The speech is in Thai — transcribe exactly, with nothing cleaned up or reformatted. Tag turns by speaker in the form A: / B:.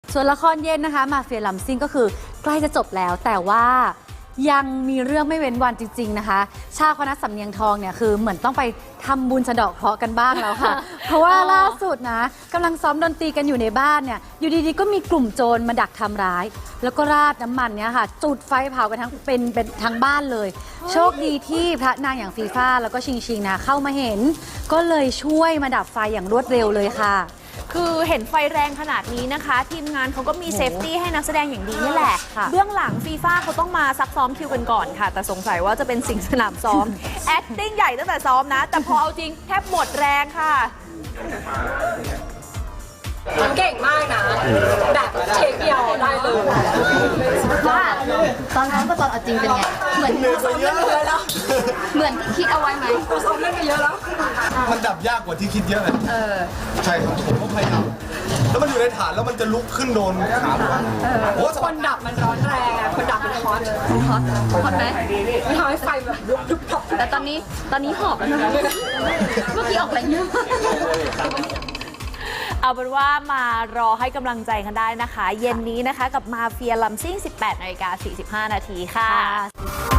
A: ส่วนละครเย็นนะคะมาเฟียลัมซิ่งก็คือใกล้จะจบแล้วแต่ว่ายังมีเรื่องไม่เว้นวันจริงๆนะคะชาวคณะสำเนียงทองเนี่ยคือเหมือนต้องไปทำบุญสะเดาะเคราะห์กันบ้างแล้วค่ะ เพราะว่าล่าสุดนะกำลังซ้อมดนตรีกันอยู่ในบ้านเนี่ยอยู่ดีๆก็มีกลุ่มโจรมาดักทำร้าย แล้วก็ราดน้ำมันเนี่ยค่ะจุดไฟเผากันทั้งเป็นเป็นทั้งบ้านเลย โชคดีที่พระนางอย่างฟีฟ่าแล้วก็ชิงชิงนะเข้ามาเห็น ก็เลยช่วยมาดับไฟอย่างรวดเร็วเลยค่ะ
B: คือเห็นไฟแรงขนาดนี้นะคะทีมงานเขาก็มีเซฟตี้ให้นักแสดงอย่างดีนี่แหละเบื้องหลังฟีฟ่าเขาต้องมาซักซ้อมคิวกันก่อนค่ะแต่สงสัยว่าจะเป็นสิ่งสนามซ้อม acting ใหญ่ตั้งแต่ซ้อมนะแต่พอเอาจริงแทบหมดแรงค่ะ
C: เก่งมากนะแบบเช็คเดียวได้เลย
D: ว่าตอนซ้อมกับตอนเอาจริงเป็นไงเหมือนซ้อมเล่นไปเยอะแล้วเหมือนที่คิดเอาไว้ไหม
C: ซ้อมเล่นไปเยอะแล้ว
E: มันดับยากกว่าที่คิดเยอะเลยใช่ครับผมก็พยายามแล้วมันอยู่ในฐานแล้วมันจะลุกขึ้นโดนขาผมโอ้
C: คนดับมันร้อนแรงอะคนดับมันฮอต
D: ฮอตฮอตไหม
C: ไม่ทำให้ไฟแบบลุกดุบดับ
D: แต่ตอนนี้ตอนนี้หอบแล้วนะเมื่อกี้ออกแรงเยอะ
B: เอาเป็นว่ามารอให้กำลังใจกันได้นะคะเย็นนี้นะคะกับมาเฟียลัมซิ่ง สิบแปดนาฬิกาสี่สิบห้านาทีค่ะ